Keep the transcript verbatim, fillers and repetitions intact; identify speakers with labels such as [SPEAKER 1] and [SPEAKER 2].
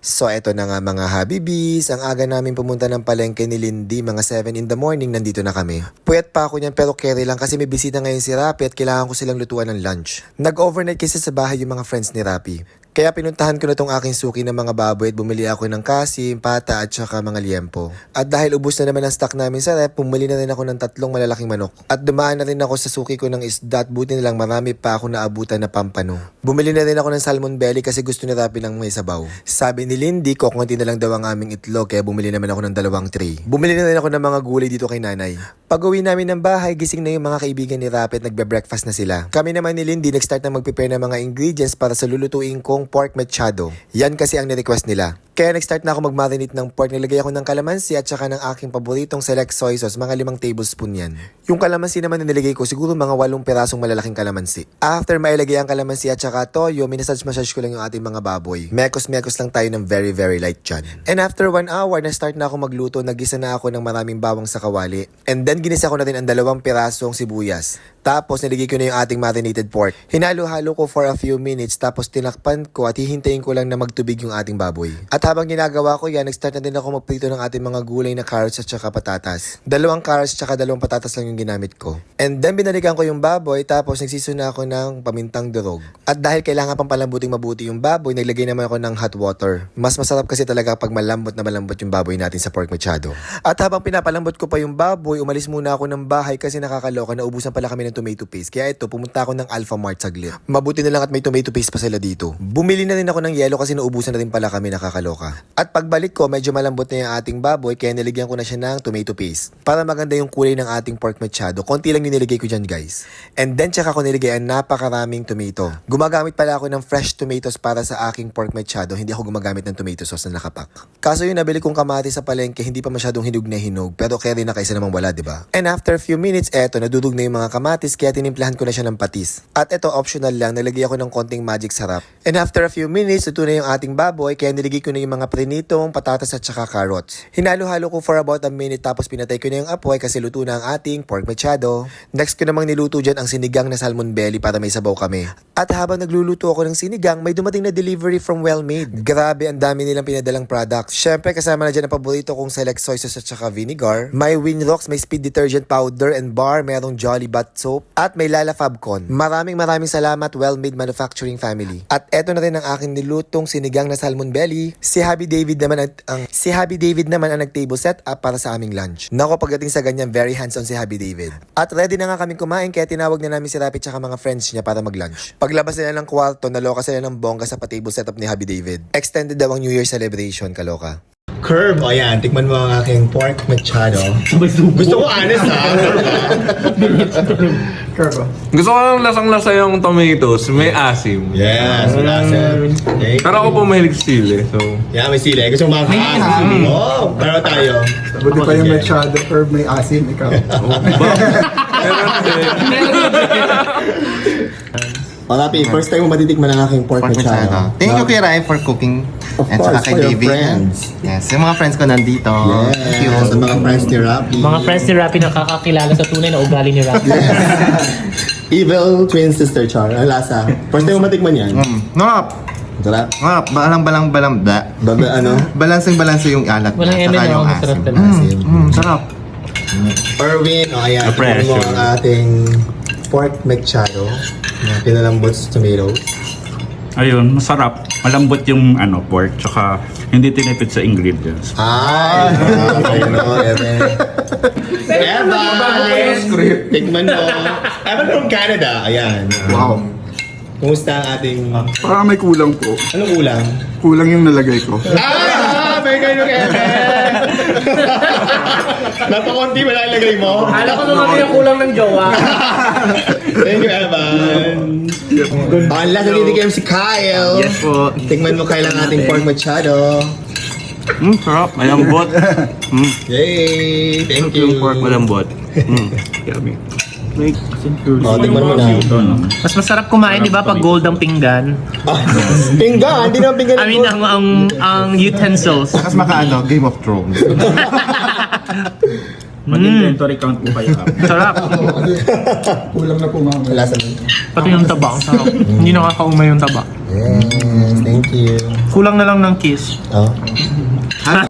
[SPEAKER 1] So eto na nga mga Habibis, ang aga namin pumunta ng palengke ni Lindy, mga seven in the morning nandito na kami. Puyat pa ako niyan pero carry lang kasi may bisita ngayon si Rapi at kailangan ko silang lutuan ng lunch. Nag-overnight kasi sa bahay yung mga friends ni Rapi. Kaya pinuntahan ko na tong aking suki ng mga baboy at bumili ako ng kasim, pata at saka mga liempo. At dahil ubos na naman ang stock namin sa rep, bumili na rin ako ng tatlong malalaking manok. At dumaan na rin ako sa suki ko ng isda at buti na lang marami pa ako naabutan na pampano. Bumili na rin ako ng salmon belly kasi gusto ni Rapi ng may sabaw. Sabi ni Lindy, kukunti na lang daw ang aming itlog kaya bumili naman ako ng dalawang tray. Bumili na rin ako ng mga gulay dito kay nanay. Pag uwi namin ng bahay, gising na yung mga kaibigan ni Rapi at nagbe-breakfast na sila. Kami naman ni Lindy nag-start na mag-prepare ng mga ingredients para sa lulutuin kong pork mechado. Yan kasi ang ni-request nila. Kaya nag-start na ako mag-marinate ng pork. Nilagay ako ng kalamansi at saka ng aking paboritong select soy sauce. Mga limang tablespoon yan. Yung kalamansi naman na nilagay ko, siguro mga walong pirasong malalaking kalamansi. After mailagay ang kalamansi at saka toyo, minasage-massage ko lang yung ating mga baboy. Mekos-mekos lang tayo ng very very light dyan. And after one hour, na-start na ako magluto. Nagisa na ako ng maraming bawang sa kawali. And then ginisa ko na rin ang dalawang pirasong sibuyas. Tapos nilagay ko na yung ating marinated pork. Hinalo-halo ko for a few minutes tapos tinakpan ko at hihintayin ko lang na magtubig yung ating baboy. At habang ginagawa ko yan, nag-start na din ako magprito ng ating mga gulay na carrots at saka patatas. Dalawang carrots at saka dalawang patatas lang yung ginamit ko. And then binalikan ko yung baboy tapos nagsisuna ako ng pamintang durog. At dahil kailangan pang palambuting mabuti yung baboy, naglagay naman ako ng hot water. Mas masarap kasi talaga pag malambot na malambot yung baboy natin sa pork mechado. At habang pinapalambot ko pa yung baboy, umalis muna ako ng bahay kasi nakakaloka na ubusan pala kami ng tomato paste. Kaya ito, pumunta ako ng Alpha Mart saglit. Mabuti na lang at may tomato paste pa sila dito. Bumili na rin ako ng yelo kasi naubusan na rin pala kami, nakakaloka. At pagbalik ko, medyo malambot na yung ating baboy kaya niligyan ko na siya ng tomato paste. Para maganda yung kulay ng ating pork mechado. Konti lang yung niligay ko dyan guys. And then tsaka ko niligay ang napakaraming tomato. Gumagamit pala ako ng fresh tomatoes para sa aking pork mechado. Hindi ako gumagamit ng tomato sauce na nakapak. Kaso yung nabili kong kamatis sa palengke, hindi pa masyadong hinog na hinog. Pero carry na kaysa namang wala, diba? And after a few minutes, eto, nadudog na yung mga kamatis kaya tinimplahan ko na siya ng patis. At ito, optional lang, nalagay ako ng konting magic sarap. And after a few minutes, ito na yung ating baboy kaya niligay ko na yung mga prinitong patatas at saka carrots. Hinalo-halo ko for about a minute tapos pinatay ko na yung apoy kasi luto na ang ating pork mechado. Next ko namang niluto dyan ang sinigang na salmon belly para may sabaw kami. At habang nagluluto ako ng sinigang, may dumating na delivery from Well-Made. Grabe, ang dami nilang pinadalang products. Syempre, kasama na dyan ang paborito kong select soy sauce at saka vinegar. May Winrocks, may speed detergent powder and bar, merong Jolly Bath soap, at may Lala Fabcon. Maraming maraming salamat Well-Made Manufacturing Family. At eto na rin ang aking nilutong sinigang na salmon belly. Si Happy David naman ang, ang si Happy David naman ang nag-table set up para sa aming lunch. Nako, pagdating sa ganyan, very hands-on si Happy David. At ready na nga kaming kumain kaya tinawag na namin si Rapi at mga friends niya para mag-lunch. Paglabas nila ng kwarto, naloka sila ng bongga sa pa-table setup ni Happy David. Extended daw ang New Year celebration, kaloka. Curve, o yan, tikman mo ang aking pork mechado. Gusto ko honest ha.
[SPEAKER 2] Curve.
[SPEAKER 3] Gusto ko lang lasang-lasa yung tomatoes, may asim.
[SPEAKER 1] Yes, lasa. Okay.
[SPEAKER 3] Pero ako po mahilig sili, so...
[SPEAKER 1] Yeah, may sili. Gusto mo makakaasim. Oh, pero tayo.
[SPEAKER 2] Buti pa yung mechado, Curve, may asim, ikaw.
[SPEAKER 1] O, Rapi, first time mo matitikman ang aking pork,
[SPEAKER 4] Pork
[SPEAKER 1] mechado.
[SPEAKER 4] mechado. Thank you, Kuya Rai, for cooking.
[SPEAKER 1] Of
[SPEAKER 4] And
[SPEAKER 1] course,
[SPEAKER 4] saka kay
[SPEAKER 1] for your
[SPEAKER 4] David.
[SPEAKER 1] friends.
[SPEAKER 4] Yes, yung mga friends ko nandito. Thank you.
[SPEAKER 1] Yes, sa mga friends ni Rapi.
[SPEAKER 5] Mga friends ni Rapi nakakakilala sa tunay na ugali ni Rapi.
[SPEAKER 1] Evil twin sister Char. Ang lasa. First time mo matikman yan.
[SPEAKER 4] Mm. Ngap!
[SPEAKER 1] Sarap.
[SPEAKER 4] Ngap! Balang balang balang da.
[SPEAKER 1] Baga ano?
[SPEAKER 4] Balansing balanse yung alat.
[SPEAKER 5] Walang
[SPEAKER 4] niya,
[SPEAKER 5] eme
[SPEAKER 4] saka
[SPEAKER 5] na
[SPEAKER 4] yung
[SPEAKER 5] ako,
[SPEAKER 4] asim.
[SPEAKER 5] masarap talaga.
[SPEAKER 1] Asim.
[SPEAKER 4] Mm, mm, sarap.
[SPEAKER 1] Erwin, o ayan.
[SPEAKER 3] A
[SPEAKER 1] Tikman mo
[SPEAKER 3] pressure.
[SPEAKER 1] ang ating pork mechado. Na pinalambot sa tomatoes.
[SPEAKER 6] Ayun, masarap. Malambot yung ano, pork, tsaka hindi tinipid sa ingredients.
[SPEAKER 1] Ay! Okay, no, Evan. Evan! Tikman mo. Evan from Canada. Ayan.
[SPEAKER 2] Wow.
[SPEAKER 1] Kumusta ang ating...
[SPEAKER 2] Parang may kulang po.
[SPEAKER 1] Anong ulang?
[SPEAKER 2] Kulang yung nalagay ko.
[SPEAKER 1] Ah! May kayo ng Evan! Napakunti ba nalagay mo?
[SPEAKER 5] Kala ko naman yung kulang ng jowa.
[SPEAKER 1] Thank you, Evan. Ang last na titigim si Kyle.
[SPEAKER 4] Yes po.
[SPEAKER 1] Tikman mo Kyle ang ating pork mechado.
[SPEAKER 3] Mm, sarap. Malambot. Mm,
[SPEAKER 1] Yay! Thank you.
[SPEAKER 3] yung pork malambot. Mm, yummy.
[SPEAKER 1] Oh, tikman mo na.
[SPEAKER 5] Mas masarap kumain, di ba, pag gold ang pinggan?
[SPEAKER 1] Ah, pinggan! Hindi naman pinggan.
[SPEAKER 5] I mean, ang, ang, ang utensils.
[SPEAKER 4] Tapos makaano, Game of Thrones.
[SPEAKER 6] Mag-inventory count po kayo.
[SPEAKER 5] Sarap.
[SPEAKER 2] Kulang na po mamaya.
[SPEAKER 1] Lasa mo.
[SPEAKER 5] Pati yung taba, ang sarap. Hindi nakakaumay yung taba.
[SPEAKER 1] Yes, thank you.
[SPEAKER 5] Kulang na lang ng kiss.
[SPEAKER 1] Oh.